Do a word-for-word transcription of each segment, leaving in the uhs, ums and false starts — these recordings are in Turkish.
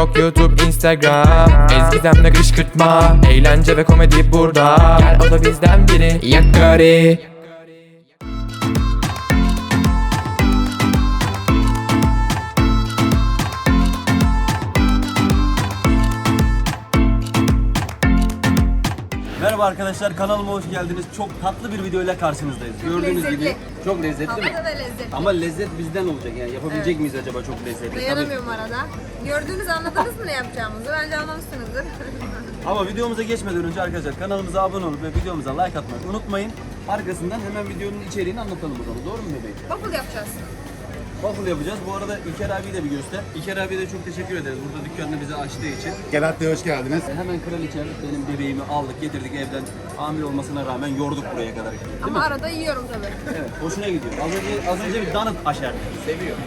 TikTok, YouTube, Instagram. Ezgizemle kışkırtma, eğlence ve komedi burada. Gel o da bizden biri, Yakari. Merhaba arkadaşlar, kanalıma hoş geldiniz. Çok tatlı bir videoyla karşınızdayız. Çok Gördüğünüz lezzetli. gibi çok lezzetli mi? Havada da lezzetli. Ama lezzet bizden olacak yani. Yapabilecek Evet. miyiz acaba çok lezzetli? Dayanamıyorum arada. Gördüğünüz anladınız mı ne yapacağımızı? Bence anlamışsınızdır. Tabii. Ama videomuza geçmeden önce arkadaşlar kanalımıza abone olup ve videomuza like atmayı unutmayın. Arkasından hemen videonun içeriğini anlatalım o zaman. Doğru mu bebeğim? Waffle yapacağız. Waffle yapacağız. Bu arada İlker abiyi de bir göster. İlker abiye de çok teşekkür ederiz. Burada dükkanını bize açtığı için. Gelat Bey hoş geldiniz. Hemen kraliçem benim bebeğimi aldık getirdik evden. Hamile olmasına rağmen yorduk buraya kadar. Değil Ama mi? arada yiyorum tabii. Evet, hoşuna gidiyor. Az önce, az önce bir donut aşerdi. Seviyor.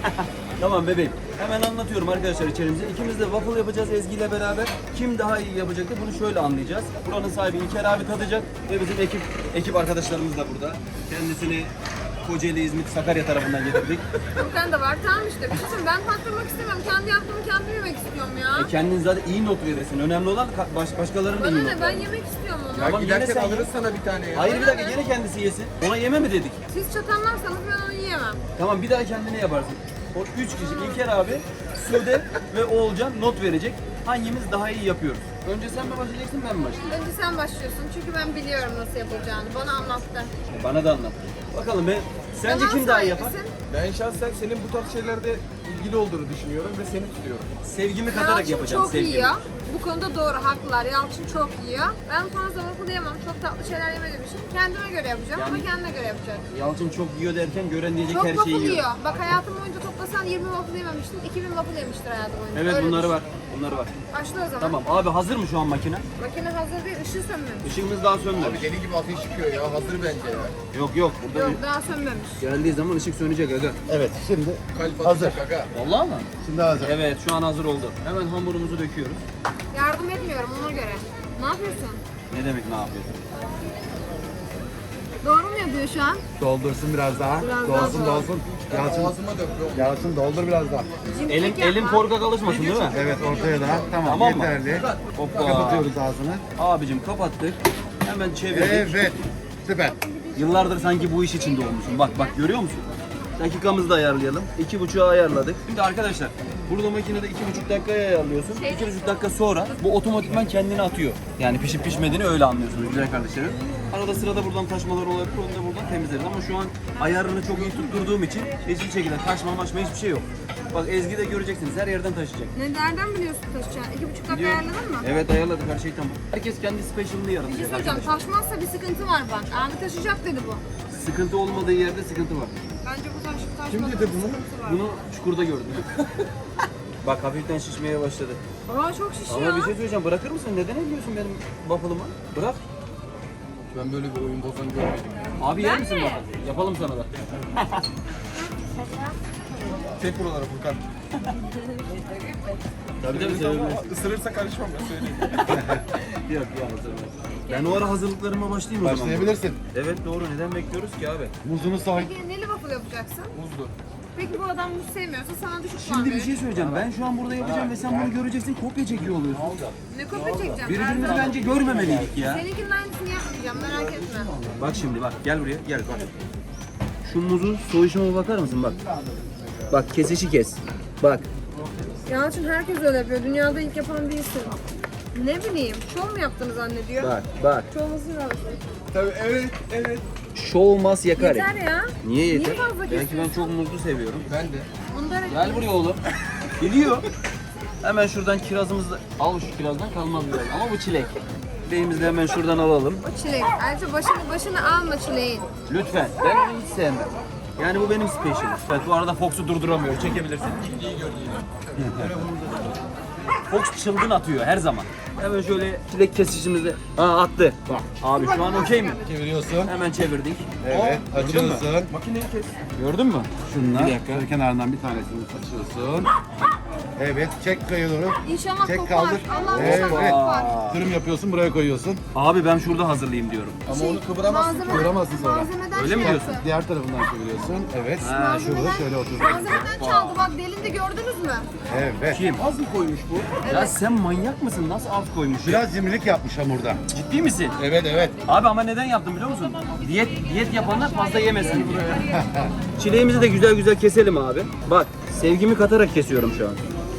Tamam bebeğim. Hemen anlatıyorum arkadaşlar içerimize. İkimiz de waffle yapacağız Ezgi ile beraber. Kim daha iyi yapacaktı bunu şöyle anlayacağız. Buranın sahibi İlker abi tadacak ve bizim ekip ekip arkadaşlarımız da burada. Kendisini Kocaeli, İzmit, Sakarya tarafından getirdik. Furkan da var. Tamam işte. Bir şey söyleyeyim, ben tattırmak istemiyorum. Kendi yaptığımı kendim yemek istiyorum ya. E kendin zaten iyi not verirsin. Önemli olan ka- baş, başkalarının da iyi Bana not ne? Ben vermesi. yemek istiyorum onu. Tamam, yine Giderken sen alırız ye. sana bir tane ya. Hayır bir Bana dakika ne? yine kendisi yesin. Ona yeme mi dedik? Siz çatanlarsanız ben onu yiyemem. Tamam bir daha kendine yaparsın. O üç kişi İlker abi, Sude ve Oğulcan not verecek. Hangimiz daha iyi yapıyoruz? Önce sen mi başlayacaksın ben mi başlayayım? Önce sen başlıyorsun çünkü ben biliyorum nasıl yapılacağını. Bana anlattı. E, Bana da anlat. Bakalım ben sence Zaman kim daha iyi yapar? sahibisin. Ben şahsen senin bu tarz şeylerde ilgili olduğunu düşünüyorum ve seni tutuyorum. Sevgimi katarak Yalçın yapacağım çok sevgimi. yiyor. Bu konuda doğru, haklılar. Yalçın çok yiyor. Ben fazla waffle yemem. Çok tatlı şeyler yemediğim için kendime göre yapacağım ama Yani- kendine göre yapacak. Yalçın çok yiyor derken gören diyecek Çok her waffle şeyi yiyor. yiyor. Bak hayatım boyunca toplasan yirmi waffle yememiştim. iki bin waffle yemiştir hayatım boyunca. Evet Öyle bunları düşün. var. Bunları var. Başla o zaman. Tamam abi hazır mı şu an makine? Makine hazır değil, ışığı sönmemiş. Işığımız daha sönmedi. Abi deli gibi ateş çıkıyor ya. Hazır bence ya. Yok yok burada Yok daha sönmemiş. geldiği zaman ışık sönecek aga. Evet şimdi kalp Hazır. atacak aga. Vallahi mı? Şimdi hazır. Evet şu an hazır oldu. Hemen hamurumuzu döküyoruz. Yardım etmiyorum ona göre. Ne yapıyorsun? Ne demek ne yapıyorsun? Doğru mu yapıyor şu an? Doldursun biraz daha. Biraz daha dolsun doldur. dolsun. Yalçın, Ağzıma döktüm. Yalçın doldur biraz daha. Cimrilik Elim yapma. elim korkak alışmasın değil mi? Evet ortaya da. Tamam, Tamam mı? yeterli. Hoppa. Kapatıyoruz ağzını. Abicim kapattık. Hemen çevirdik. Evet. Süper. Yıllardır sanki bu iş içinde olmuşum. Bak bak görüyor musun? Dakikamızı da ayarlayalım. İki buçuğa ayarladık. Şimdi arkadaşlar burada makinede iki buçuk dakikaya ayarlıyorsun. İki buçuk dakika sonra bu otomatikman kendini atıyor. Yani pişip pişmediğini öyle anlıyorsunuz güzel kardeşlerim. Arada sırada buradan taşmalar olabilir. Onu da buradan temizleriz. Ama şu an ayarını çok iyi tutturduğum için hiçbir şekilde taşma maşma hiçbir şey yok. Bak Ezgi de göreceksiniz her yerden taşıyacak. Ne, nereden biliyorsun taşıyacağını? İki buçuk dakika Biliyor. ayarladın mı? Evet ayarladık her şey tamam. Herkes kendi special'ını Bir şey yaratacak söyleyeceğim. arkadaşlar. Taşmazsa bir sıkıntı var bak. Abi taşıyacak dedi bu. Sıkıntı olmadığı yerde sıkıntı var. Bence bu taş taşmaz. Kim dedi bunu? Bunu çukurda gördüm. Bak hafiften şişmeye başladı. Aa çok şişiyor. Ama bir şey söyleyeceğim bırakır mısın? Neden ediyorsun benim waffle'ımı? Bırak. Ben böyle bir oyun bozan görmedim ya. Abi yer Ben misin mi? waffle? Yapalım sana da. Çek buralara Furkan. Tabii tabii sevebilirsin. Isırırsa karışmam ben söyleyeyim. Yok ya hazırım. Ben o ara hazırlıklarıma başlayayım o zaman. Başlayabilirsin. Evet doğru. Neden bekliyoruz ki abi? Muzunu soy. Peki neli waffle yapacaksın? Buzlu. Peki bu adam muz sevmiyorsa sana düşük puan Şimdi bir verir. şey söyleyeceğim. Ben şu an burada yapacağım ve sen bunu göreceksin. Kopya çekiyor oluyorsun. Ne kopya çekeceğim? Birbirimizi Her bence görmemeliydik ya. Seninkinin aynısını yapmayacağım merak etme. Bak şimdi bak gel buraya gel bak. Şu muzun soyuşuma bakar mısın bak. Bak kesişi kes. Bak. Yalçın herkes öyle yapıyor. Dünyada ilk yapan değilsin. Ne bileyim, şov mu yaptığını zannediyor? Bak bak. Şovumuzu yapsın. Tabii evet evet. Show must yakar. Yeter ya. Niye yeter? Niye fazla Belki ben kesiyorsun? çok muzlu seviyorum. Ben de. Bunda Gel buraya oğlum. Geliyor. Hemen şuradan kirazımızı da al şu kirazdan kalmaz biraz ama bu çilek. Çileğimizi de hemen şuradan alalım. O çilek. Ayrıca başını başını alma çileğin. Lütfen. Ben onu hiç sevmem. Yani bu benim special. Evet bu arada Fox'u durduramıyor. Çekebilirsin. Fox çılgın atıyor her zaman. Hemen şöyle çilek kesişimizi Aa, attı. Bak abi şu an okey mi? Çeviriyorsun. Hemen çevirdik. Evet. Açıyorsun. Makineyi kes. Gördün mü? Şunlar. Bir dakika. Şöyle kenarından bir tanesini açıyorsun. Evet. Çek kayı doğru. İnşallah Çek, kopar. kaldır. Allah'ım Evet, inşallah evet. kopar. Dürüm yapıyorsun, buraya koyuyorsun. Abi ben şurada hazırlayayım diyorum. Ama onu kıvıramazsın. Malzeme- Kıvıramazsın sonra. Malzemeden Öyle şey mi diyorsun? yaptı. Diğer tarafından çeviriyorsun. Evet. Ha, şurada şöyle otur. Malzemeden çaldı bak delindi gördünüz mü? Evet. Kim? Az mı koymuş bu? Ya sen manyak mısın? Nasıl az koymuş ya? Biraz cimrilik yapmış hamurda. Ciddi misin? Evet, evet. Abi ama neden yaptım biliyor musun? Diyet diyet yapanlar fazla yemesin. Çileğimizi de güzel güzel keselim abi. Bak sevgimi katarak kesiyorum şu an.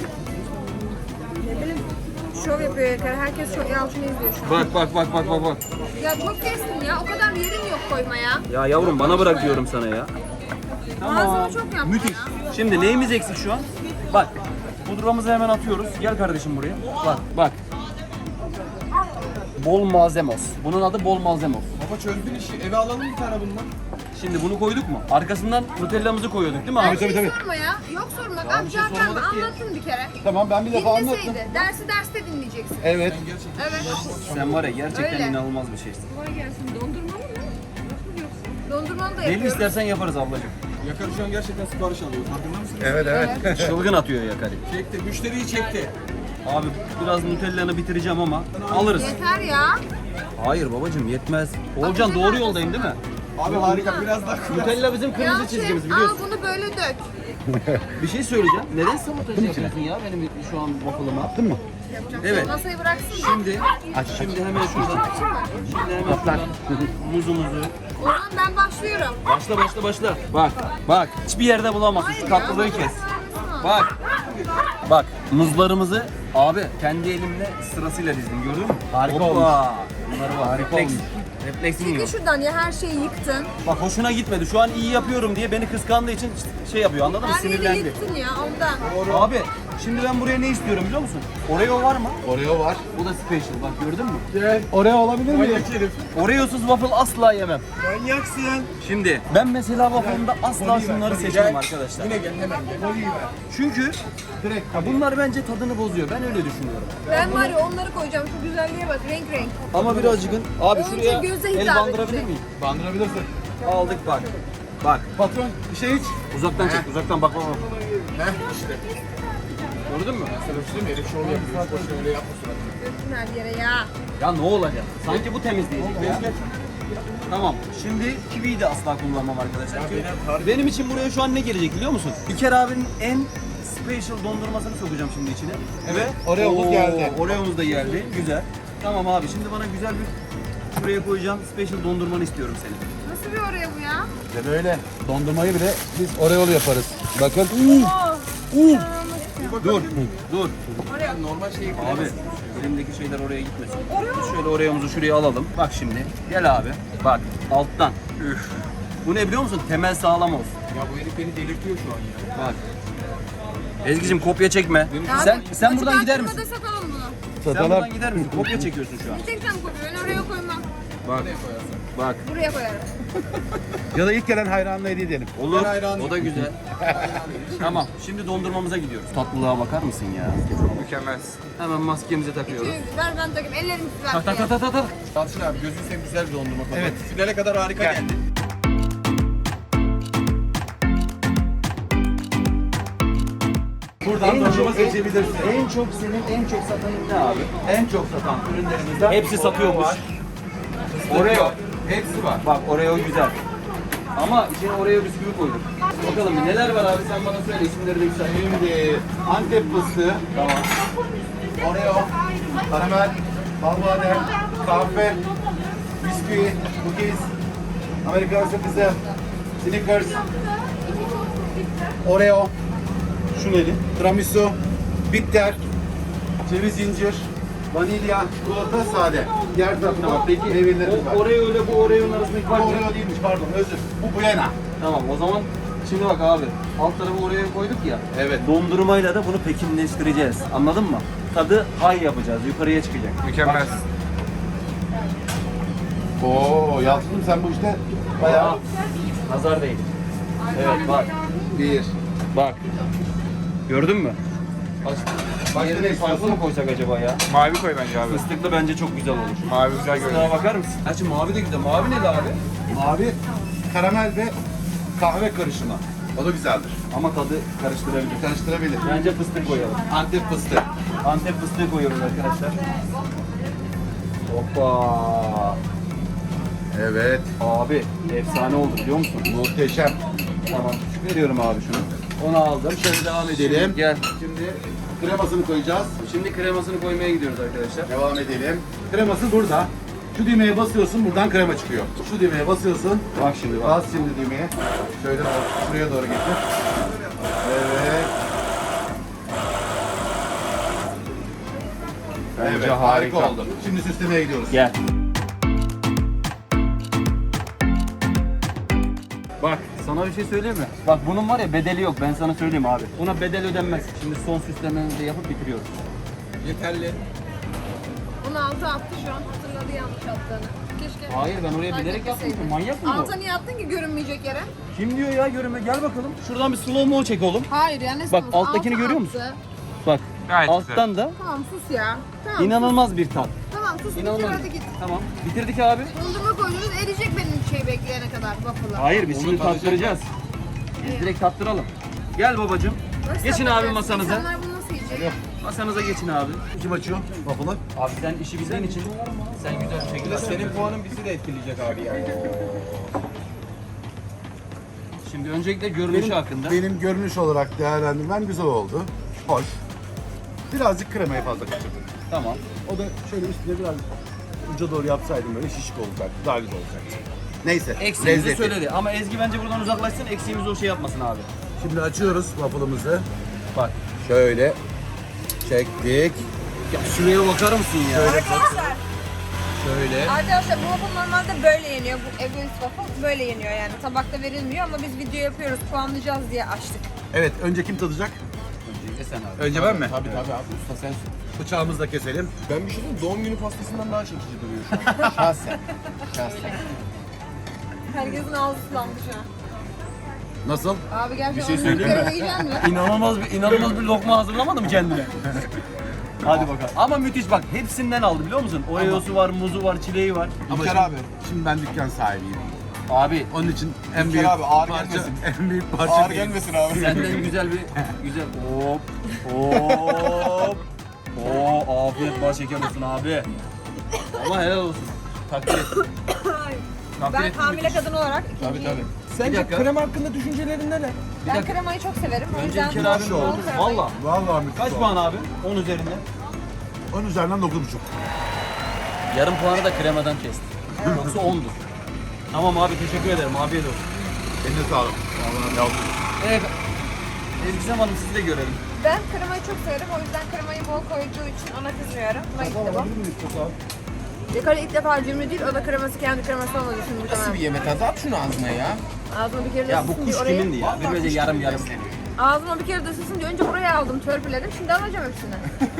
Şov yapıyor Erkan. Herkes şov Yalçın'ı izliyor şu an. Bak bak bak bak bak bak. Ya çok kestin ya. O kadar yerim yok koymaya. Ya yavrum bana bırak diyorum sana ya. Malzeme çok yaptın Müthiş. ya. Şimdi neyimiz eksik şu an? Bak. Pudramızı hemen atıyoruz. Gel kardeşim buraya. Bak bak. Bol malzemos. Bunun adı bol malzemos. Baba çözdün işi. Eve alalım bir tane bundan. Şimdi bunu koyduk mu? Arkasından nutellamızı koyuyorduk değil mi Ya abi? bir şey tabii. sorma ya. Yok sorma. Ya Abi bir şey zaten sormadık ki. anlattın bir kere. Tamam, ben bir defa anlattım. Dinleseydi. Dersi derste dinleyeceksin. Evet. Evet. Sen var ya gerçekten Öyle. inanılmaz bir şeysin. Kolay gelsin. Dondurmalı mı? Dondurmalı da Neli yapıyoruz. istersen yaparız ablacığım. Yakar şu an gerçekten sipariş alıyor. Farkında mısın? Evet, evet. Çılgın atıyor Yakari. Çekti. Müşteriyi çekti. Abi biraz Nutella'nı bitireceğim ama alırız. Yeter ya. Hayır babacığım yetmez. Olcan doğru yoldayım değil mi? Abi harika. Biraz daha koy. Nutella bizim kırmızı Yalçın, çizgimiz al biliyorsun. bunu böyle dök. Bir şey söyleyeceğim. Neden sabotaj yapıyorsun ya benim şu an waffle'ıma? Attın mı? Yapacak Evet. şey. Masayı bıraksın da. Şimdi, şimdi hemen şuradan, şimdi hemen şuradan muzumuzu. O zaman ben başlıyorum. Başla başla başla. Bak, bak. Hiçbir yerde bulamazsın. Şu tatlılığı kes. Bak. Bak. Muzlarımızı abi kendi elimle sırasıyla dizdim. Gördün mü? Harika Hoppa. olmuş. Bunları var. Refleks. Refleksin Çekil yok. şuradan ya her şeyi yıktın. Bak hoşuna gitmedi. Şu an iyi yapıyorum diye beni kıskandığı için şey yapıyor. Anladın mı? Her yeri Sinirlendi. yıktın ya ondan. Abi şimdi ben buraya ne istiyorum biliyor musun? Oreo var mı? Oreo var. Bu da special. Bak gördün mü? Oreo olabilir mi? Manyak herif. Oreo'suz waffle asla yemem. Manyaksın. Şimdi ben mesela waffle'ımda asla şunları seçmem arkadaşlar. Yine gel hemen gel. Oliyi ver. Çünkü ya bunlar bence tadını bozuyor. Ben öyle düşünüyorum. Ben var ya onları koyacağım. Şu güzelliğe bak renk renk. Ama birazcık abi Önce şuraya göze el hitap bandırabilir edecek. miyim? Bandırabilirsin. Aldık bak. Bak Patron, bir şey iç. uzaktan çek uzaktan bak bak bak. Heh işte. Gördün mü? Sana bir şey diyeyim mi? Herif şov yapıyor. Boşuna öyle yapma suratını. Döktün her yere ya. Ya ne olacak? Sanki bu temizleyecek. Tamam. Şimdi kiwiyi de asla kullanmam arkadaşlar. Çünkü benim için buraya şu an ne gelecek biliyor musun? İlker abinin en special dondurmasını sokacağım şimdi içine. Evet, Oreo'muz Oo, geldi. Oreo'muz da geldi. Güzel. Tamam abi şimdi bana güzel bir şuraya koyacağım special dondurmanı istiyorum senin. Nasıl bir oraya bu ya? İşte böyle. Dondurmayı bile biz Oreo'lu yaparız. Bakın. Dur. Dur. Yani normal şeyi Abi elimdeki şeyler oraya gitmesin. Biz şöyle Oreo'muzu şuraya alalım. Bak şimdi. Gel abi. Bak alttan. Üf. Bu ne biliyor musun? Temel sağlam olsun. Ya bu herif beni delirtiyor şu an ya. Bak. Ezgi'cim kopya çekme. Ya Sen abi, sen açık buradan gider arttırmada misin? satalım bunu. Sen Satalım. buradan gider misin? Kopya çekiyorsun şu an. Bir tek sen koy. Ben oraya koymam. Bak. Bak. Buraya koyarım. Ya da ilk gelen hayranla hediye edelim. Olur. Ben hayranım. O da güzel. Tamam. Şimdi dondurmamıza gidiyoruz. Tatlılığa bakar mısın ya? Mükemmel. Hemen maskemizi takıyoruz. Ver ben takayım. Ellerimi Tak tak tutar. tak tak tak. Yalçın abi gözün seveyim güzel bir dondurma tadı. Evet. Finale kadar harika geldi. Buradan dondurma seçebilirsin. En çok senin en çok satanın ne abi? En çok satan ürünlerimizden hepsi satıyormuş. Oreo. Hepsi var. Bak Oreo güzel. Ama içine Oreo bisküvi koyduk. Bakalım bir neler var abi sen bana söyle isimleri de güzel. Şimdi Antep fıstığı, Tamam. Oreo, karamel, balbadem, kahve, bisküvi, cookies, Amerikan sakızı, Snickers, Oreo, şu neydi? Tiramisu, bitter, ceviz incir, vanilya, çikolata, sade. Diğer tarafına bak. Peki meyvelerimiz var. O Oreo ile bu Oreo'nun arasındaki Bu fark ne? Oreo değilmiş pardon özür. Bu Buena. Tamam o zaman şimdi bak abi alt tarafı Oreo'yu koyduk ya. Evet. Dondurmayla da bunu pekinleştireceğiz. Anladın mı? Tadı high yapacağız. Yukarıya çıkacak. Mükemmel. Oo Yalçın'ım sen bu işte bayağı... Aa, nazar değil. Evet bak. Bir. Bak. Gördün mü? Başka ne Yerine farklı istiyorsun? mı koysak acaba ya? Mavi koy bence abi. Fıstıklı bence çok güzel olur. Mavi güzel Fıstığa bakar mısın? Gerçi mavi de güzel. Mavi ne abi? Mavi, karamel ve kahve karışımı. O da güzeldir. Ama tadı karıştırabilir. Karıştırabilir. Bence fıstık koyalım. Antep fıstığı. Antep fıstığı koyuyoruz arkadaşlar. Hoppa. Evet. Abi efsane oldu biliyor musun? Muhteşem. Tamam. Veriyorum abi şunu. Onu aldım. Şöyle devam edelim. Gel. Şimdi kremasını koyacağız. Şimdi kremasını koymaya gidiyoruz arkadaşlar. Devam edelim. Kreması burada. Şu düğmeye basıyorsun, buradan krema çıkıyor. Şu düğmeye basıyorsun. Bak şimdi bak. Bas şimdi düğmeye. Şöyle şuraya doğru getir. Evet. Bence evet, harika. harika oldu. Şimdi süslemeye gidiyoruz. Gel. Bak sana bir şey söyleyeyim mi? Bak bunun var ya bedeli yok, ben sana söyleyeyim abi. Buna bedel ödenmez. Şimdi son süslememizi de yapıp bitiriyoruz. Yeterli. Bunu altı attı şu an hatırladı yanlış attığını. Keşke. Hayır, ben oraya bilerek yaptım. Fark Manyak mı bu? Alta niye attın ki görünmeyecek yere? Kim diyor ya görünme? Gel bakalım. Şuradan bir slow mo çek oğlum. Hayır yani ne Bak, sanıyorsun? alttakini Alta görüyor musun? attı. Bak Gayet alttan da Tamam sus ya. Tamam. inanılmaz bir tat. Sus. Tamam sus bitir İnanılmaz. hadi git. Tamam. Bitirdik abi. Dondurma koydunuz eriyecek benim şey bekleyene kadar waffle'ı. Hayır biz şimdi tattıracağız. Biz direkt tattıralım. Gel babacığım. Nasıl Geçin abi yapacağız? masanıza. İnsanlar bunu nasıl yiyecek? Masanıza geçin abi. Kim açıyor waffle'ı? Abi sen işi bildiğin için sen güzel bir şekilde Senin puanın bizi de etkileyecek abi yani. Şimdi öncelikle görünüşü hakkında. Benim görünüş olarak değerlendirmem güzel oldu. Hoş. Birazcık kremayı fazla kaçırdım. Tamam. O da şöyle üstüne biraz uca doğru yapsaydım böyle şişik olacaktı. Daha güzel olacaktı. Neyse. Eksiğimizi lezzeti. söyledi ama Ezgi bence buradan uzaklaşsın, eksiğimizi o şey yapmasın abi. Şimdi açıyoruz waffle'ımızı. Bak. Şöyle çektik. Ya şuraya bakar mısın ya? Arkadaşlar, Şöyle. arkadaşlar bu waffle normalde böyle yeniyor. Bu egoist waffle böyle yeniyor yani. Tabakta verilmiyor ama biz video yapıyoruz, puanlayacağız diye açtık. Evet, önce kim tadacak? Öncelikle sen abi. Önce ben mi? Tabii tabii abi usta sensin. Bıçağımızı da keselim. Ben bir şey diyeyim doğum günü pastasından daha çekici duruyor şu an. Şahsen. Şahsen. Herkesin ağzı sulandı şu an. Nasıl? Abi gerçekten Bir şey onu söyleyeyim mi? yukarı yiyecek misin? İnanılmaz bir inanılmaz bir lokma hazırlamadın mı kendine? Hadi bakalım. Ama müthiş bak hepsinden aldı biliyor musun? Oreo'su var, muzu var, çileği var. İlker abi. Şimdi ben dükkan sahibiyim. Abi Onun için en İlker büyük abi, ağır parça, gelmesin. en büyük parça Ağır değil. gelmesin abi. senden güzel bir güzel hop hop. Oo afiyet bal şeker olsun abi. Ama helal olsun. Takdir et. Takdir Ben ettim, hamile müthiş. kadın olarak Tabii ikinciyim. tabii. Bir Sence dakika. krema hakkında düşüncelerin neler? Ben dakika. kremayı çok severim. O Önce yüzden İlker abim bol oldu. kremayı- Valla. Vallahi müthiş Kaç oldu. puan abi? on üzerinden. on üzerinden dokuz buçuk. Yarım puanı da kremadan kesti. Yoksa ondu. Tamam abi teşekkür ederim. Afiyet olsun. Eline sağlık. Allah'ım yavrum. Evet. Ezgi Hanım sizi de görelim. Ben kremayı çok severim. O yüzden kremayı bol koyduğu için ona kızmıyorum. Buna gitti bu. Dekale ilk defa cimri değil. O da kreması kendi kreması olmadı şimdi. Nasıl bir yemek tadı? At şunu ağzına ya. Ağzıma bir kere de Ya bu ısınsın kuş diye oraya... kimindi ya? Bir böyle yarım yarım. Ağzıma bir kere de ısınsın diye önce buraya aldım, törpüledim. Şimdi alacağım hepsini.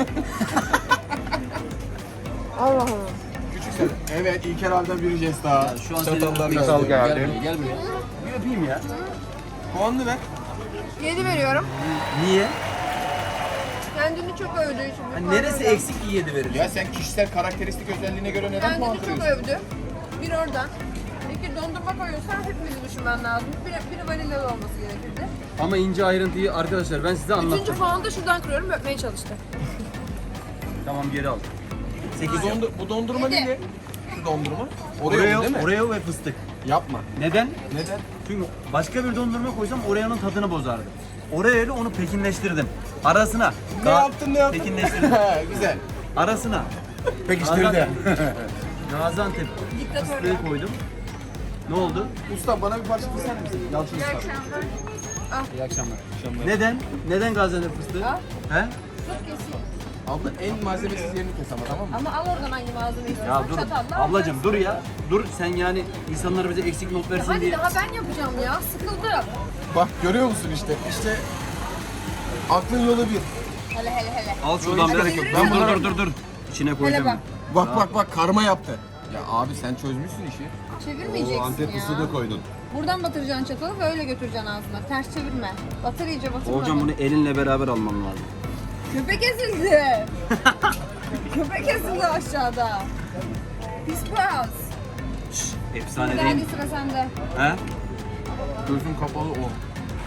Allah Allah. Küçük sen. Evet İlker abiden bir jest daha. Şu an Çatallar senin geldi. Gel buraya, gel buraya. Bir öpeyim ya. Puanını ver. Yedi veriyorum. Niye? Kendini çok övdüğü için. bir Hani puan neresi veriyorum. eksik ki yedi verir? Ya sen kişisel karakteristik özelliğine göre neden puan Kendini çok kırıyorsun? övdü. Bir oradan. İki dondurma koyuyorsan hepimizi düşünmen lazım. Bir, bir vanilyalı olması gerekirdi. Ama ince ayrıntıyı arkadaşlar ben size anlattım. Üçüncü puanı da şuradan kırıyorum, öpmeye çalıştı. Tamam geri al. sekiz Bu, dondu- bu dondurma Yedi. neydi? Şu dondurma. Oreo, Oreo, değil mi? Oreo ve fıstık. Yapma. Neden? Neden? Çünkü başka bir dondurma koysam Oreo'nun tadını bozardı. Oreo ile onu pekinleştirdim. Arasına. Ne yaptın ne yaptın? Pekinleştirdim. Güzel. Arasına. Pekiştirdi. Gaziantep Diktatör ya. fıstığı koydum. Ne oldu? Usta bana bir parça keser misin? Yalçın İyi usta. akşamlar. İyi akşamlar. Neden? Neden Gaziantep fıstığı? Al. He? Tut keseyim. Abla en malzemesiz yerini kes ama tamam mı? Ama al oradan hangi malzemeyi istiyorsan. Ya dur. Çatalla Ablacım dur ya. Dur sen yani insanlar bize eksik not versin Hadi diye. daha ben yapacağım ya. Sıkıldım. Bak görüyor musun işte? İşte aklın yolu bir. Hele hele hele. Al şuradan Hadi bir. yürü. Ben dur dur dur dur. İçine Hele koyacağım. bak. Bak bak bak karma yaptı. Ya abi sen çözmüşsün işi. Çevirmeyeceksin Antep ya. fıstığı da koydun. Buradan batıracaksın çatalı ve öyle götüreceksin ağzına. Ters çevirme. Batır iyice batırma. Hocam bunu elinle beraber alman lazım. Köpek ezildi. Köpek ezildi aşağıda. Pis biraz. Efsane değil Hadi mi? sıra sende. He? Gözün kapalı o.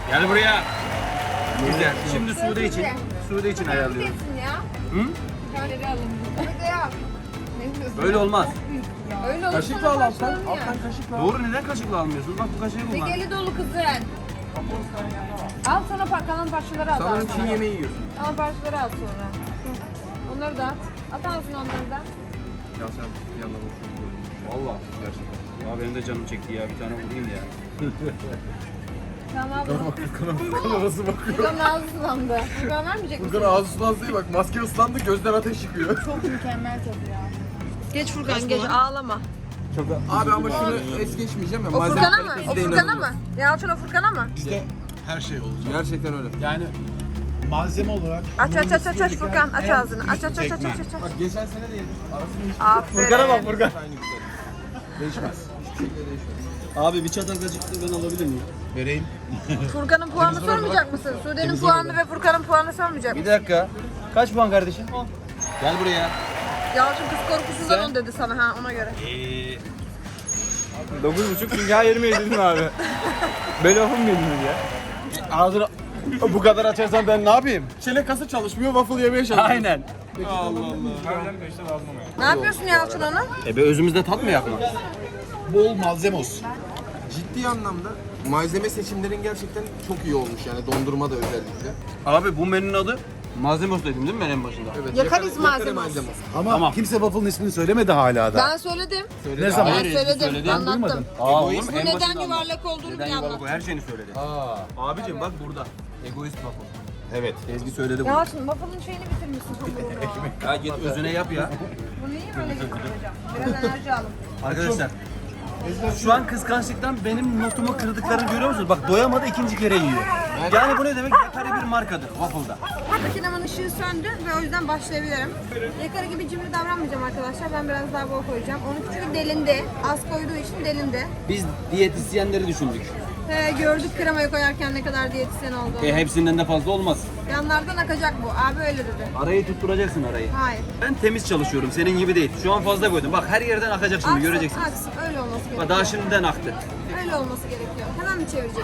Gel buraya. Güzel. Şimdi Sude için. Sude için ayarlıyorum. Nesin ya? Hı? Şöyle alalım. Hadi yap. Ne diyorsun? Böyle olmaz. Öyle olursa Kaşıkla al alttan. başlarım ya. Alttan kaşıkla al. Doğru, neden kaşıkla almıyorsun? Bak bu kaşığı kullan. Tekeli dolu kızın. Al sana par kalan parçaları al. Sanırım al Çin sonra. yemeği yiyorsun. Kalan parçaları al sonra. Hı. Onları da at. At ağzına onları da. Ya sen bir yandan boşuna Valla. gerçekten. Ya benim de canım çekti ya. Bir tane vurayım ya. Tamam abi. Furkan arası bakıyor. Furkan'ın ağzı sulandı. Furkan vermeyecek misin? Furkan ağzı sulandı değil bak maske ıslandı gözden ateş çıkıyor. Çok mükemmel tadı ya. Geç Furkan geç ağlama. Abi ama şunu es geçmeyeceğim ya. O malzeme Furkan'a mı? kalitesi O de Furkan'a inanılmaz. mı? Yalçın o Furkan'a mı? Bizde her şey olacak. Gerçekten öyle. Yani malzeme olarak Aç aç aç aç aç Furkan aç ağzını. Aç aç aç aç aç aç. Bak geçen sene de yedim. Arasını hiç Aferin. Furkan'a bak Furkan. aynı güzel. Değişmez. Hiçbir şekilde değişmez. Abi bir çatal kaşık da ben alabilir miyim? vereyim. Furkan'ın puanını sormayacak mısın? Sude'nin puanını ve Furkan'ın puanını sormayacak Bir mısın? dakika. Kaç puan kardeşim? Gel buraya. Yalçın kız korkusundan on dedi sana ha ona göre. Eee. dokuz buçuk çünkü her yerime yedirdim abi. Böyle lafım mı yediniz ya? Ağzını bu kadar açarsan ben ne yapayım? Çelik kası çalışmıyor, waffle yemeye çalışıyor. Aynen. Ne yapıyorsun Yalçın onu? E be özümüzde tat mı yapma? Bol malzeme olsun. Ciddi anlamda malzeme seçimlerin gerçekten çok iyi olmuş yani dondurma da özellikle. Abi bu menünün adı malzeme olsun dedim değil mi ben en başında? Evet. Yakarız yakarı malzemesi. Ama Tamam. kimse waffle'ın ismini söylemedi hala da. Ben söyledim. Ne zaman? Ben Hayır, söyledim. söyledin, Anlattım. Aa oğlum Bu en neden başında yuvarlak olduğunu Neden bile yuvarlak anlattım. o her şeyini söyledi. Aa. Abicim bak burada. Egoist bak o. Evet. Ezgi söyledi bunu. Yalçın waffle'ın şeyini bitirmişsin hamurunu. Ya git özüne yap ya. Bunu iyi böyle getireceğim. Biraz enerji alın. Arkadaşlar şu an kıskançlıktan benim notumu kırdıklarını görüyor musunuz? Bak doyamadı ikinci kere yiyor. Yani bu ne demek? Yakari bir markadır waffle'da. Makinemin ışığı söndü ve o yüzden başlayabilirim. Yakarı gibi cimri davranmayacağım arkadaşlar. Ben biraz daha bol koyacağım. Onun çünkü delindi. Az koyduğu için delindi. Biz diyetisyenleri düşündük. He, gördük kremayı koyarken ne kadar diyetisyen olduğunu. E, hepsinden de fazla olmaz. Yanlardan akacak bu. Abi öyle dedi. Arayı tutturacaksın arayı. Hayır. Ben temiz çalışıyorum senin gibi değil. Şu an fazla koydum. Bak her yerden akacak şimdi Aksın, göreceksiniz. aksın. Öyle olması gerekiyor. Bak daha şimdiden aktı. Öyle olması gerekiyor. Hemen mi çevirecektik?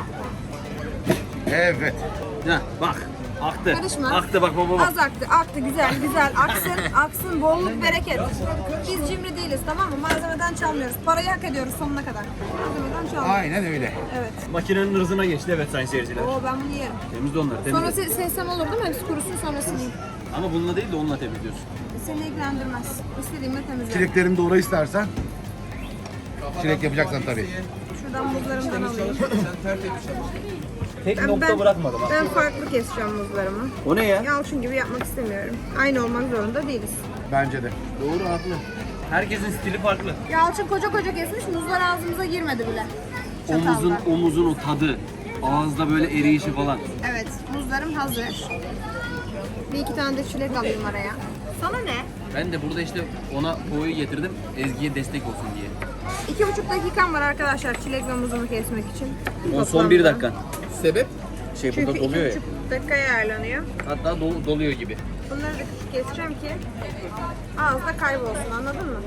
Evet. Heh, bak aktı. Karışma. Aktı bak baba bak. Az aktı, aktı. Güzel, güzel. Aksın, aksın. Bolluk, bereket. Biz cimri değiliz, tamam mı? Malzemeden çalmıyoruz. Parayı hak ediyoruz sonuna kadar. Malzemeden çalmıyoruz. Aynen öyle. Evet. Makinenin hırzına geçti evet sayın seyirciler. Oo ben bunu yerim. Temizle onları Sonra temizle. se- sesem olur değil mi? Hepsi kurusun sonrasını yiyeyim. Ama bununla değil de onunla temizliyorsun. Seni ilgilendirmez. İstediğimle temizlerim. Çileklerini doğra istersen. Çilek yapacaksan tabii. Şuradan muzlarımdan alayım. Sen tertemiz çalıştın. Tek Ben- nokta ben- bırakmadım ha. Ben farklı keseceğim muzlarımı. O ne ya? Yalçın gibi yapmak istemiyorum. Aynı olmak zorunda değiliz. Bence de. Doğru haklı. Herkesin stili farklı. Yalçın koca koca kesmiş, muzlar ağzımıza girmedi bile. Çatalla. Omuzun omuzun o tadı. Ağızda böyle eriyişi falan. Evet, muzlarım hazır. Bir iki tane de çilek alayım araya. Sana ne? Ben de burada işte ona boyu getirdim. Ezgi'ye destek olsun diye. İki buçuk dakikam var arkadaşlar çilek ve muzumu kesmek için. O son bir Toplamda. dakikan. Sebep? Şey Çünkü burada iki doluyor ya. buçuk dakikaya ayarlanıyor. Hatta dol- doluyor gibi. Bunları da küçük keseceğim ki ağızda kaybolsun, anladın mı?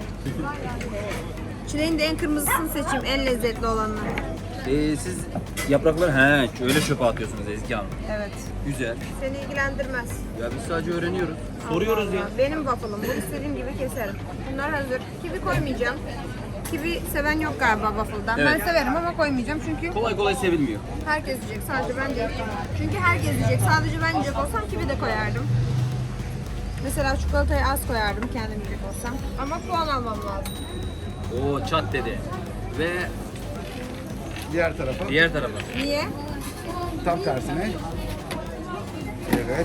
Çileğin de en kırmızısını seçeyim, en lezzetli olanını. Ee, siz yaprakları he öyle çöpe atıyorsunuz Ezgi Hanım. Evet. Güzel. Seni ilgilendirmez. Ya biz sadece öğreniyoruz. Soruyoruz ya. Allah. Benim waffle'ım. Bu istediğim gibi keserim. Bunlar hazır. Kivi koymayacağım. Kivi seven yok galiba waffle'dan. Evet. Ben severim ama koymayacağım çünkü Kolay kolay sevilmiyor. herkes yiyecek. Sadece ben değil. Çünkü herkes yiyecek. Sadece ben yiyecek olsam kivi de koyardım. Mesela çikolatayı az koyardım kendim yiyecek olsam. Ama puan almam lazım. Oo çat dedi. Ve Diğer tarafa. diğer tarafa. Niye? Tam tersine. Evet.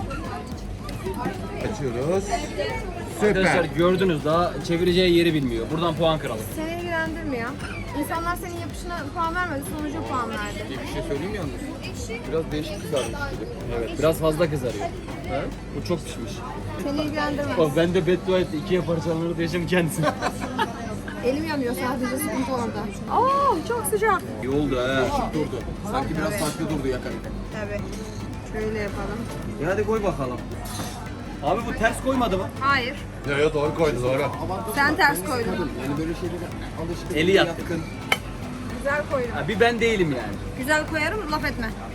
Açıyoruz. Arkadaşlar Süper. gördünüz daha çevireceği yeri bilmiyor. Buradan puan kıralım. Seni ilgilendirmiyor. İnsanlar senin yapışına puan vermedi, sonuca puan verdi. Bir şey söyleyeyim mi yalnız? Biraz değişik kızarmış gibi. Evet biraz fazla kızarıyor. Ha? Bu çok pişmiş. Seni ilgilendirmez. Bak ben de beddua etti. İkiye parçalanır diyeceğim kendisine. Elim yanıyor sadece, sıkıntı orada. Oo çok sıcak. İyi oldu ha. Durdu. Sanki biraz farklı durdu yakarken. Evet. Şöyle yapalım. E hadi koy bakalım. Abi bu ters koymadı mı? Hayır. Yo yo doğru koydu doğru. Sen ters koydun. Yani böyle şeylere alışkın. Eli yatkın. Güzel koydum. Ha, bir ben değilim yani. Güzel koyarım, laf etme.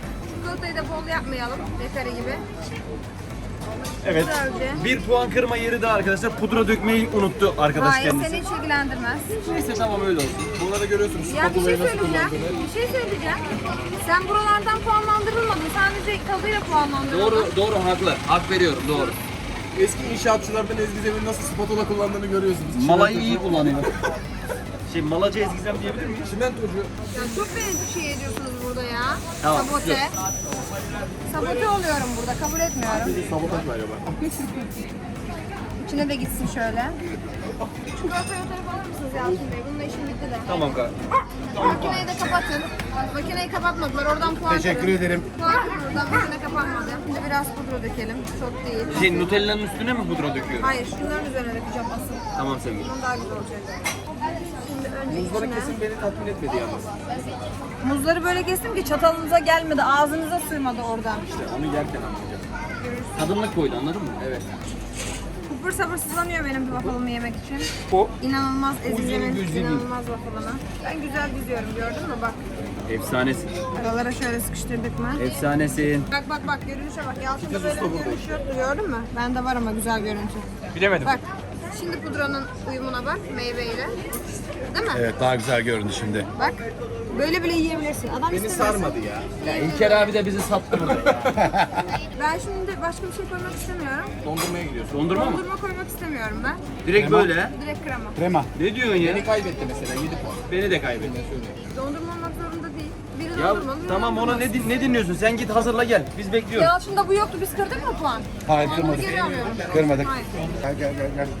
çikolatayı da bol yapmayalım. Dekare gibi. Evet. Güzelce. Bir puan kırma yeri de arkadaşlar pudra dökmeyi unuttu arkadaş Hayır kendisi. seni hiç ilgilendirmez. Neyse tamam öyle olsun. Burada görüyorsunuz Ya bir şey spatulayı nasıl söyleyeceğim. kullandığını. Bir şey söyleyeceğim. Sen buralardan puanlandırılmadın. Sadece tadıyla puanlandırıldın. Doğru, doğru haklı. Hak veriyorum doğru. Eski inşaatçılardan Ezgi Zem'in nasıl spatula kullandığını görüyorsunuz. Malayı iyi kullanıyor. Şey malacı ezgizem diyebilir miyim? Çimentocu. Ya çok beni şey ediyorsunuz burada ya. Tamam, Sabote. dur. Sabote oluyorum burada. Kabul etmiyorum. Sabotaj galiba. İçine de gitsin şöyle. Çikolatayı o tarafa alır mısınız Yalçın Bey? Bununla işim bitti de. Tamam kanka. Makineyi de kapatın. Makineyi kapatmadılar. Oradan puan Teşekkür kırın. ederim. Puan kırın oradan. Makine kapanmadı. Şimdi biraz pudra dökelim. Çok değil. Şey Nutella'nın üstüne mi pudra döküyorum? Hayır, şunların üzerine dökeceğim asıl. Tamam sevgilim. Bunun daha güzel olacak. Şimdi önce Muzların içine. kesin beni tatmin etmedi yalnız. Muzları böyle kestim ki çatalınıza gelmedi, ağzınıza sığmadı oradan. Onu yerken anlayacağım. Tadımlık koydu anladın mı? Evet. Kupur sabırsızlanıyor benim bir waffle'ımı yemek için. O İnanılmaz ezgilerin, gözü değil. inanılmaz waffle'ını. Ben güzel diziyorum gördün mü bak. efsanesin. Aralara şöyle sıkıştırdık mı? Efsanesin. Bak bak bak görünüşe bak. Yalçın'da böyle bir görünüş yoktu gördün mü? Bende var ama güzel görüntü. Bilemedim. Bak şimdi pudranın uyumuna bak meyveyle. Değil mi? Evet daha güzel göründü şimdi. Bak böyle bile yiyebilirsin. Adam Beni istemez. sarmadı ya. Ya İlker abi de bizi sattı burada. Ben şimdi başka bir şey koymak istemiyorum. Dondurmaya gidiyorsun. Dondurma mı? Dondurma koymak istemiyorum ben. Direkt böyle ha? Direkt krema. Krema. Ne diyorsun ya? Beni kaybetti mesela yedi puan. Beni de kaybetti. Dondurma olmak zorunda değil. Biri Ya dondurmalı, biri tamam ona dondurmasız. ne, din- ne dinliyorsun? Sen git hazırla gel. Biz bekliyoruz. Yalçın'da bu yoktu. Biz kırdık mı puan? Hayır Onu kırmadık. geri alıyorum. Kırmadık. Hayır. Gel gel gel gel.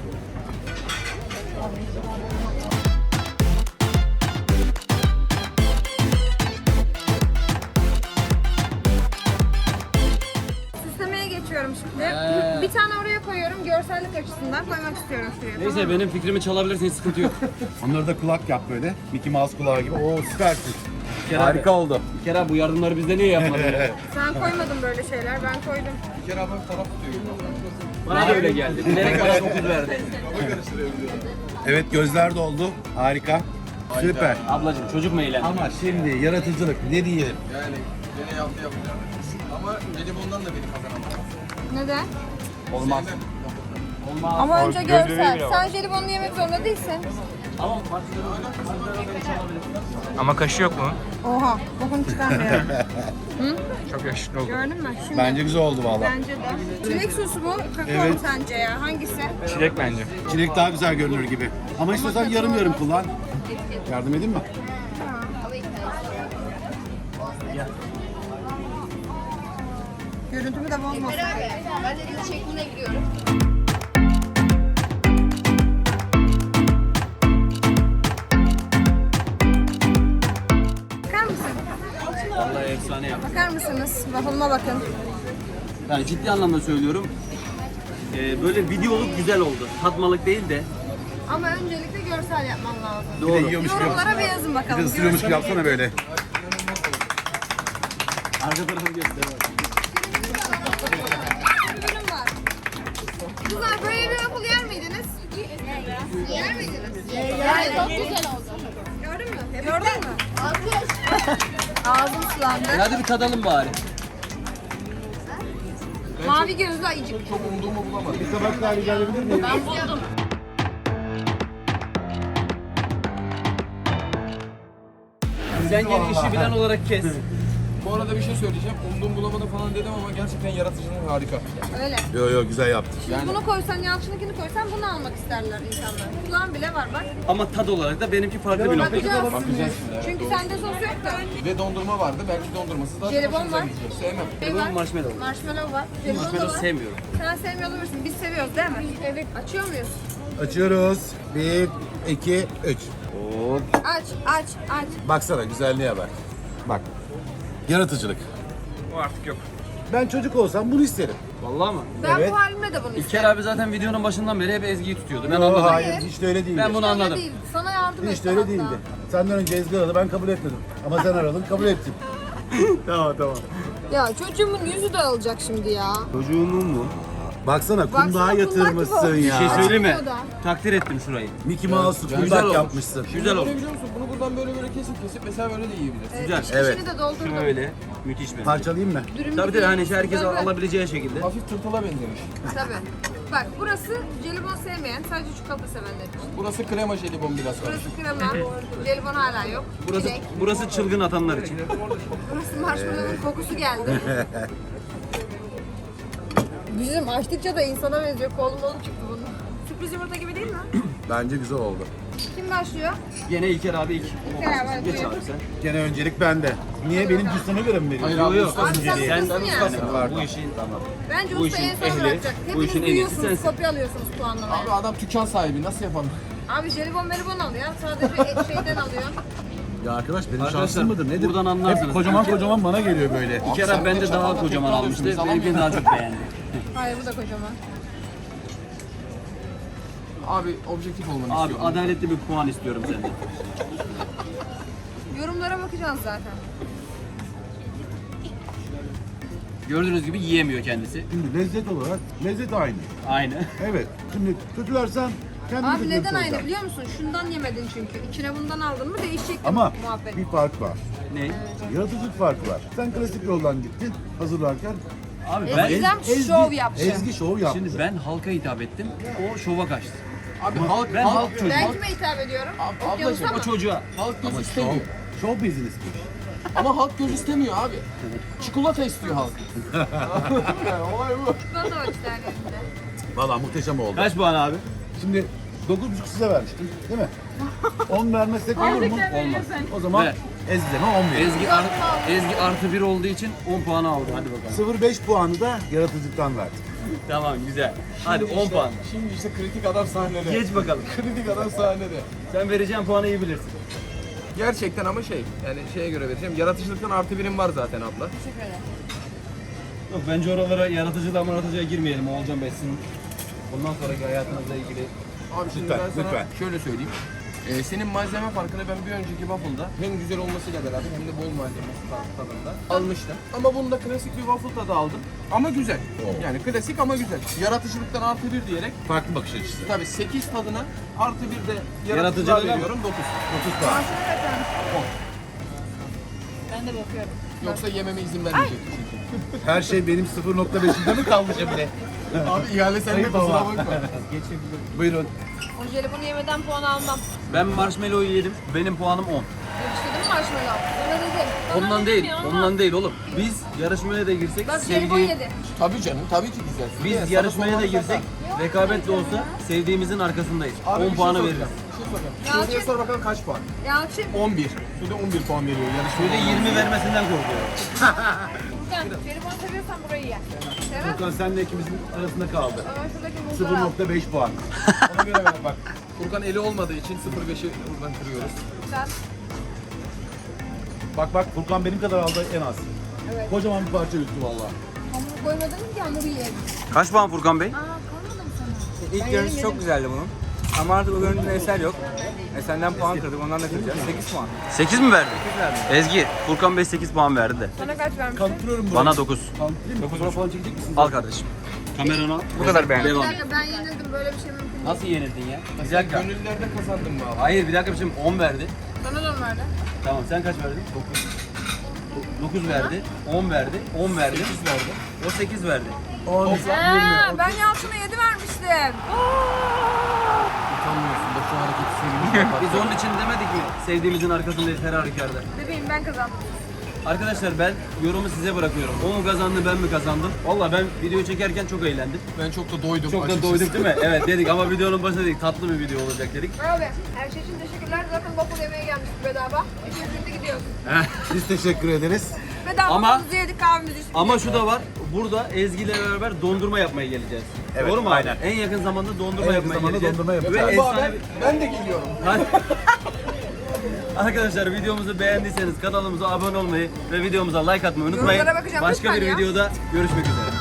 Süslemeye geçiyorum şimdi. Bir tane oraya koyuyorum. Görsellik açısından koymak istiyorum şuraya. Neyse benim fikrimi çalabilirsin hiç sıkıntı yok. Onları da kulak yap böyle. Mickey Mouse kulağı gibi. Oo süpersin. İlker abi- Harika oldu. İlker abi bu yardımları bizde niye yapmadın? Sen koymadın böyle şeyler. Ben koydum. Bir kere abi taraf tutuyor. Bana da öyle geldi. Bilerek bana dokuz verdi. Evet gözler doldu. Harika. Süper. Ablacığım çocuk mu eğlendi? Ama şimdi yaratıcılık ne diyelim? Yani beni yaptı yapacağım. Ama Jelibon'dan da beni kazanamadı. Neden? Olmaz. Olmaz. Ama önce görsel. Sen jelibonlu yemek zorunda değilsin. Ama partileri beni çalabilir. Ama kaşı yok mu? Oha. Bokunu çıkarmıyorum. Çok yaşlı oldu. Gördün mü? Şimdi Bence güzel oldu valla. Bence de. Çilek sosu mu? Kakao mu Evet. sence ya? Hangisi? Çilek bence. Çilek daha güzel görünür gibi. Ama istiyorsan yarım yarım kullan. Yardım edeyim mi? Görüntümü de bozmasın. Ben de dizi çekimine giriyorum. Bakar mısın? Vallahi efsane yaptı. Bakar mısınız? Waffle'ıma bakın. Yani ciddi anlamda söylüyorum. Ee, böyle videoluk güzel oldu. Tatmalık değil de. Ama öncelikle görsel yapman lazım. Bir de Doğru. yiyormuş gibi. Yorumlara bir yazın Bir bakalım. de ısırıyormuş gibi yapsana böyle. Arka tarafı göster. Ürün var. Kızlar böyle bir waffle yer miydiniz? Yer miydiniz? Yani çok güzel oldu. Gördün mü? Gördün mü? Alkış. Ağzım sulandı. Hadi bir tadalım bari. Mavi gözlü ayıcık. Çok umduğumu bulamadım. Bir tabak daha rica edebilir miyim? Ben buldum. Sen gel işi bilen olarak kes. Bu arada bir şey söyleyeceğim. Umduğumu bulamadım falan dedim ama gerçekten yaratıcılığın harika. Öyle. Yo yo güzel yaptın. Şimdi bunu koysan, Yalçın'ınkini koysan bunu almak isterler insanlar. Kulağın bile var bak. Ama tad olarak da benimki farklı bir nokta. Bakacağız. Bakacağız şimdi. Çünkü sende sos yok da. Ve dondurma vardı. Belki dondurmasız daha Jelibon hoşunuza var. gidecek. Sevmem. Şey var. Marshmallow. Marshmallow var. Jelibon da Marshmallow var. sevmiyorum. Sen sevmiyor olabilirsin. Biz seviyoruz değil mi? Evet. Açıyor muyuz? Açıyoruz. Bir, iki, üç. Hop. Aç, aç, aç. Baksana güzelliğe bak. Bak. Yaratıcılık. O artık yok. Ben çocuk olsam bunu isterim. Vallahi mı? Ben Evet. bu halimle de bunu İlker isterim. abi zaten videonun başından beri hep Ezgi'yi tutuyordu. Ben Yo, anladım. hayır hiç de öyle değildi. Ben bunu Öyle anladım. değil. Sana yardım Hiç etti de öyle hatta. değildi. Senden önce Ezgi aradı ben kabul etmedim. Ama sen aradın kabul ettim. tamam tamam. Ya çocuğumun yüzü dağılacak şimdi ya. Çocuğumun mu? Baksana Baksana, kundağa kundak yatırmışsın gibi olmuş. ya. Bir şey söyleyeyim mi? Açmıyor da. Takdir ettim şurayı. Mickey Mouse'u Güzel kundak olmuş. yapmışsın. Güzel oldu. Ne biliyor musun? Bunu buradan böyle böyle kesip kesip mesela böyle de yiyebilirsin. Güzel. İçini Evet. de doldurdum. Şöyle. Müthiş bence. Parçalayayım mı? Dürüm Tabii gibi tabii hani herkes tabii. alabileceği şekilde. Hafif tırtıla benzemiş. Tabii. Bak burası jelibon sevmeyen, sadece çikolata sevenler için. Burası krema jelibon biraz var. Burası krema, jelibon hala yok. Burası Çilek. burası çılgın atanlar için. Burası marshmallow'un kokusu geldi. Bizim açtıkça da insana benziyor. Kolum kolum çıktı bunun. Sürpriz yumurta gibi değil mi? Bence güzel oldu. Kim başlıyor? Gene İlker abi ilk. İlker abi, hadi Geç buyur. abi sen. Gene öncelik bende. Niye? Benim cüzdanıma göre mi veriyorsun? Hayır abi, Yok, ustasın Abi sen diye. Sen ustasın ya. tamam, bu işin tamam. Bence Bu usta işin en son ehli, bırakacak. bu Hepiniz işin en iyisi duyuyorsunuz, sensin. kopya alıyorsunuz puanlamayı. Abi adam dükkan sahibi nasıl yapalım? Abi jelibon melibon alıyor. Sadece et şeyden alıyor. Ya arkadaş benim Arkadaşlar, şansım mıdır? Nedir? buradan anlarsınız. Hep kocaman kocaman bana geliyor böyle. İlker sen abi bende de daha çatalda kocaman tekrar almıştı. alıyorsun, Benimkini daha çok beğendi. Hayır bu da kocaman. Abi objektif olmanı Abi istiyorum. adaletli bir puan istiyorum senden. Yorumlara bakacağız zaten. Gördüğünüz gibi yiyemiyor kendisi. Şimdi lezzet olarak lezzet aynı. Aynı. Evet. Şimdi kötülersen kendin Abi kötü neden aynı olacaksın. biliyor musun? Şundan yemedin çünkü. İçine bundan aldın mı değişecek Ama muhabbet. bir fark var. Ne? Yaratıcılık farkı var. Sen klasik yoldan gittin hazırlarken. Abi Ezgi- ben Ezgi- şov yaptı. Ezgi şov yaptı. şimdi ben halka hitap ettim. O şova kaçtı. Abi halk, Ben halk, halk çocuğu. Ben kime hitap ediyorum? Ab- Okyanusa ablacığım, mı? O çocuğa. halk göz Şov, istemiyor. şov business'miş. Ama halk göz istemiyor abi. Çikolata istiyor halk. Olay bu. Çikolata var işte elinde. Valla muhteşem oldu. Kaç puan abi? Şimdi dokuz buçuk size vermiştim değil mi? on vermezsek olur mu? Olmaz. O zaman Ve Ezgi'den on verin. Ezgi, art, Ezgi artı bir olduğu için on puanı aldı. Hadi bakalım. sıfır virgül beş puanı da yaratıcılıktan verdik. Tamam güzel. Hadi on İşte- puan. Şimdi işte kritik adam sahnede. Geç bakalım. Kritik adam sahnede. Sen vereceğin puanı iyi bilirsin. Gerçekten ama şey, yani şeye göre vereceğim. Yaratıcılıktan artı birim var zaten abla. Teşekkür ederim. Yok bence oralara yaratıcıda yaratıcıya girmeyelim. Oğulcan Bey sizin bundan sonraki hayatınızla ilgili. Abi şimdi Lütfen, ben sana lütfen. şöyle söyleyeyim. Ee, senin malzeme farkını ben bir önceki waffle'da hem güzel olmasıyla beraber hem de bol malzemesi tadında almıştım. Ama bunda klasik bir waffle tadı aldım. Ama güzel. Yani klasik ama güzel. Yaratıcılıktan artı bir diyerek Farklı bakış açısı. tabii sekiz tadına artı bir de Yaratıcılığa yaratıcılığa mı? veriyorum dokuz. otuz puan. Maaşına kaçar. Ben de bakıyorum. Yoksa yememe izin vermeyecek çünkü. Her şey benim sıfır nokta beşimde mi kaldı şimdi? Abi ihale sende Ayıp kusura ama. bakma. Buyurun. O jelibonu yemeden puan almam. Ben marshmallow'u yedim. Benim puanım on. Yakıştırdım mı marshmallow? Sana dedim. Sana Ondan dedim değil. ya, ama- Ondan değil oğlum. Biz yarışmaya da girsek Bak jelibon sevdiğim yedi. Tabii canım, tabii ki güzel. biz Sana yarışmaya da sormam girsek zaten. rekabetle olsa sevdiğimizin arkasındayız. Abi bir on şey puanı soracağım, veririz. Bir şey soracağım. Yalçın. Sude'ye sor bakalım kaç puan? Yalçın. on bir. Sude on bir puan veriyor yarışmaya. Şöyle yirmi vermesinden korkuyorum. Furkan, jelibon seviyorsan burayı ye. Sevmez Furkan senle ikimizin arasında kaldı. Ama şuradaki sıfır muzları al. nokta beş puan. Ona göre ver bak. Furkan eli olmadığı için sıfır virgül beşi buradan kırıyoruz. Sen. Bak bak Furkan benim kadar aldı en az. Evet. Kocaman bir parça üstü valla. Hamuru koymadın ki hamuru yiyelim. Kaç puan Furkan Bey? Aa kalmadı mı sana? İlk görüntüsü çok güzeldi bunun. Ama artık o görüntüde eser yok. E senden puan kırdık, ondan da kıracağız. sekiz puan. sekiz mi verdi? Ezgi, Furkan Bey sekiz puan verdi de. Sana kaç vermiştin? Kanıtlıyorum bunu. Bana dokuz. Kanıtlayayım mı? Fotoğraf falan çekecek misin? Al kardeşim. Kameranı al. Bu kadar beğendim. Bir Devam. dakika ben yenildim böyle bir şey mümkün değil. Nasıl yenildin ya? Bir Sen dakika. gönüllülerde kazandın mı abi? Hayır bir dakika şimdi on verdi. Sana da mı verdi? Tamam sen kaç verdin? dokuz. dokuz verdi, on verdi, on verdi. sekiz verdi. O sekiz verdi. Aa, ben Yalçın'a yedi vermiştim. Utanmıyorsun da şu hareketi sevimli yapar. Biz onun için demedik mi? Sevdiğimizin arkasındayız her halükarda. Bebeğim ben kazandım. Arkadaşlar ben yorumu size bırakıyorum. O mu kazandı ben mi kazandım? Valla ben video çekerken çok eğlendim. Ben çok da doydum Çok da açıkçası. doyduk değil mi? Evet dedik ama videonun başında dedik tatlı bir video olacak dedik. Abi her şey için teşekkürler. Zaten waffle yemeye gelmiştik bedava. İki günde gidiyoruz. Biz teşekkür ederiz. Bedava Ama- waffle'ımızı yedik kahvemizi içtik. Ama şu da var. Burada Ezgi ile beraber dondurma yapmaya geleceğiz. Evet, Doğru mu aynen. abi? En yakın zamanda dondurma En yakın yapmaya zamanda geleceğiz. dondurma yapacağız. Ve Galiba efsane ben, ben de geliyorum. Arkadaşlar videomuzu beğendiyseniz kanalımıza abone olmayı ve videomuza like atmayı unutmayın. Yorumlara bakacağım, Başka lütfen bir ya. videoda görüşmek üzere.